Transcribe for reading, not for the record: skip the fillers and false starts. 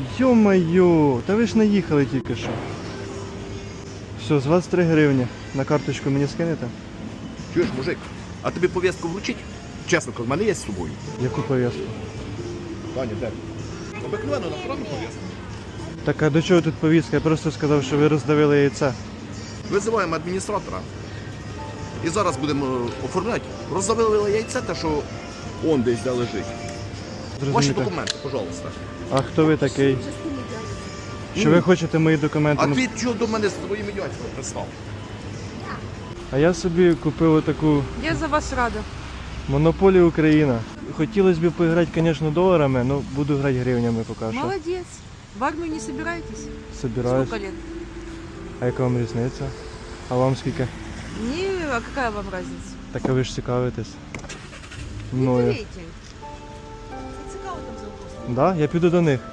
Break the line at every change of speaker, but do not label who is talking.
Йо-моє, та ви ж наїхали тільки що. Все, з вас 3 гривні. На карточку мені скинете?
Чуєш, мужик, а тобі повістку вручить? Чесно, в мене є з собою.
Яку пов'язку?
Таня, де? Обикновено направо повістку.
Так а до чого тут повістка? Я просто сказав, що ви роздавили яйце.
Визиваємо адміністратора. І зараз будемо оформляти. Роздавили яйце, те, що он десь де лежить. Ваші
Зрозумієте?
документи, пожалуйста.
А хто ви такий? Що ви хочете мої документи?
А ти чого до мене з твоїми дядьками пристав?
А я собі купив таку
Я за вас рада.
Монополію Україна. Хотілося б поіграти, звісно, доларами, але буду грати гривнями поки що.
Молодец. В армию не собираетесь?
Собираюсь.
Сколько лет?
А яка вам різниця? А вам скільки?
Не, а какая вам разница?
Так а ви ж цікавитесь.
Не
Мною.
жалейте. Цікаво там за углом.
Да? Я піду до них.